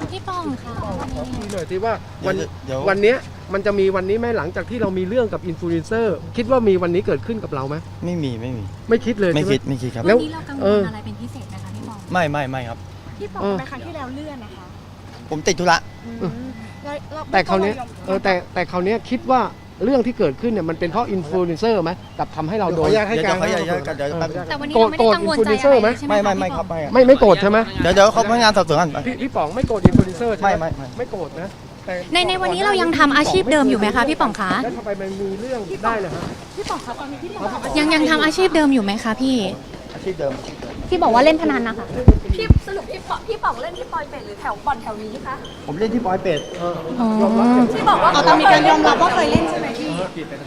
พี่ปองค่ะขอคุยหน่อยสิว่าเดี๋ยววันเนี้ยมันจะมีวันนี้ไหมหลังจากที่เรามีเรื่องกับอินฟลูเอนเซอร์คิดว่ามีวันนี้เกิดขึ้นกับเราไหมไม่มีไม่คิดเลยไม่ใช่ไหมคิดครับวันนี้เรากังวลอะไรเป็นพิเศษนะคะพี่ปองไม่ครับพี่ปองไปครั้งที่แล้วเลื่อนนะคะผมติดธุระแต่คราวเนี้ยแต่คราวเนี้ยคิดว่าเรื่องที่เกิดขึ้นเนี่ยมันเป็นเพราะอินฟลูเอนเซอร์ไหมกับทำให้เราโดนเดี๋ยวเขาอยากกันเดี๋ยวแป๊บแต่วันนี้เราไม่ได้กังวลใจอะไรใช่ไหมไม่ครับไม่โกรธใช่ไหมเดี๋ยวเขาพนักงานสอบสวนกันพี่ป๋องไม่โกรธอินฟลูเอนเซอร์ใช่ไหมไม่ไม่โกรธนะแต่ในวันนี้เรายังทำอาชีพเดิมอยู่ไหมคะพี่ป๋องคะแล้วทำไมมันมีเรื่องได้เลยฮะพี่ปองคะตอนนี้พี่ปองยังทำอาชีพเดิมอยู่ไหมคะพี่อาชีพเดิมที่บอกว่าเล่นพนันนะคะพี่สรุปพี่ปองเล่นที่ปอยเป็ดหรือแถวบ่อนแถวนี้คะผมเล่นที่ปอยเป็ดยอมรับอย่างที่บอกว่าตอนมีการยอมรับว่าเคยเล่นใช่ไหมพี่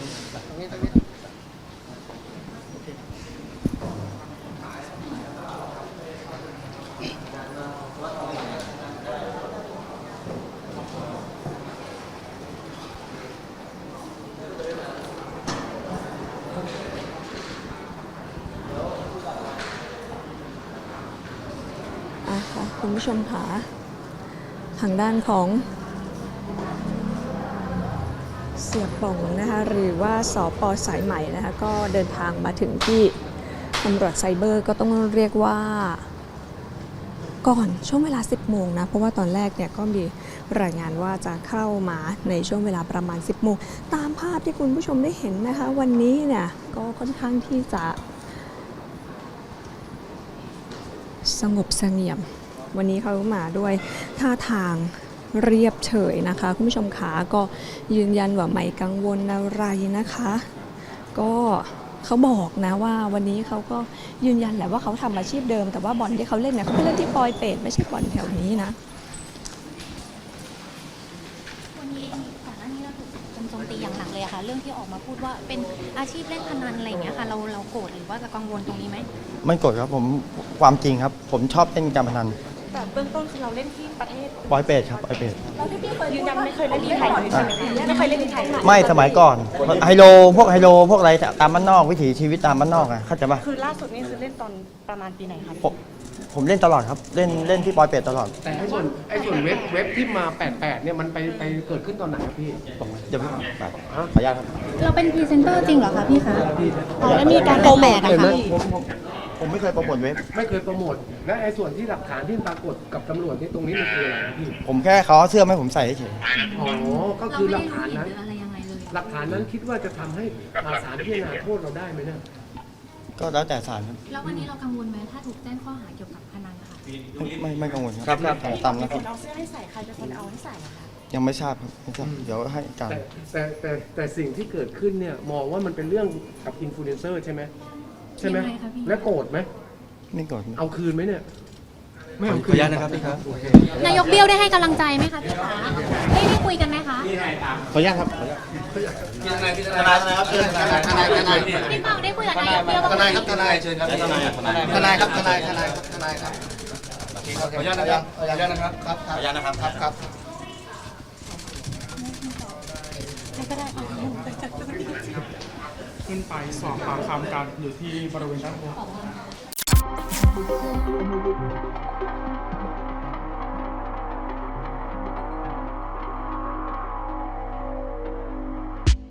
ค่ะคุณผู้ชมค่ะทางด้านของเสียป่องนะคะหรือว่าสป.สายใหม่นะคะก็เดินทางมาถึงที่ตำรวจไซเบอร์ก็ต้องเรียกว่าก่อนช่วงเวลา 10 โมงนะเพราะว่าตอนแรกเนี่ยก็มีรายงานว่าจะเข้ามาในช่วงเวลาประมาณ 10 โมงตามภาพที่คุณผู้ชมได้เห็นนะคะวันนี้เนี่ยก็ค่อนข้างที่จะสงบเสงี่ยมวันนี้เขามาด้วยท่าทางเรียบเฉยนะคะคุณผู้ชมขาก็ยืนยันว่าไม่กังวลอะไรนะคะ ก็เขาบอกนะว่าวันนี้เขาก็ยืนยันแหละว่าเขาทำอาชีพเดิมแต่ว่าบ่อนที่เขาเล่นเนี่ยเขาไปเล่นที่ปอยเป็ดไม่ใช่บ่อนแถวนี้นะวันนี้เองก่อนหน้านี้เราถูกโจมตีอย่างหนักเลยอะค่ะเรื่องที่ออกมาพูดว่าเป็นอาชีพเล่นพนันอะไรอย่างเงี้ยค่ะเราโกรธหรือว่าจะกังวลตรงนี้ไหมไม่กดครับผมความจริงครับ ผมชอบเล่นการพนันแต่เบื้องต้นคือเราเล่นที่ประเทศปอยเป็ดครับปอยเป็ดเราที่พี่เคยยืนยันไม่เคยเล่นที่ไทยเลยใช่ไหมไม่เคยเล่นที่ไทยไม่สมัยก่อนไฮโลพวกอะไรตามบ้านนอกวิถีชีวิตตามบ้านนอกอะเข้าใจปะคือล่าสุดนี่คือเล่นตอนประมาณปีไหนคะผมเล่นตลอดครับเล่นที่ปอยเป็ดตลอดแต่ไอ้ส่วนเว็บที่มา 88 เนี่ยมันไปเกิดขึ้นตอนไหนครับพี่บอกมาเดี๋ยวพี่ขออนุญาตครับเราเป็นพรีเซนเตอร์จริงเหรอคะพี่คะแล้วมีการโปรโมทเห็นไหมผมไม่เคยโปรโมทเว็บไม่เคยโปรโมทและไอ้ส่วนที่หลักฐานที่ปรากฏกับตำรวจนี่ตรงนี้มันคืออะไรครับพี่ผมแค่เขาเอาเสื้อมาให้ผมใส่เฉยอ๋อก็เราคือไม่หลัได้กฐานรู้หนั้นรืออะไรยังไงเลยหลักฐานนั้นคิดว่าจะทำให้ศาลพิจารณาโทษเราได้ไหมเนี่ยก็แล้วแต่ศาลครับแล้ววันนี้เรากังวลไหมถ้าถูกแจ้งข้อหาเกี่ยวกับพนันนะคะไม่กังวลครับตามนะครับเอาเสื้อให้ใส่ใครเป็นคนเอาให้ใส่คะยังไม่ทราบครับไม่ทราบเดี๋ยวให้การแต่สิ่งที่เกิดขึ้นเนี่ยมองว่ามันเป็นเรื่องกับอินฟลูเอนเซอร์ใช่ไหมใช่ไหมยังไงคะพี่และโกรธไหมไม่กดเอาคืนไหมเนี่ยไม่ขอเอาอคืนุนญาตนะครับพี่ครับนายกเบี้ยวได้ให้กำลังใจไหมคะพี่ขาได้คุยกันไหมคะขออนุญาตครับทนายครับเชิญทนายพี่ปองได้คุยกับนายกเบี้ยวบ้างไหมทนายเชิญครับทนายครับทนายครับขออนุญาตนะครับขออนุญาตนะครับครับขออนุญาตนะครับครับขึ้นไปสอบปากคำกันอยู่ที่บริเวณด้านบน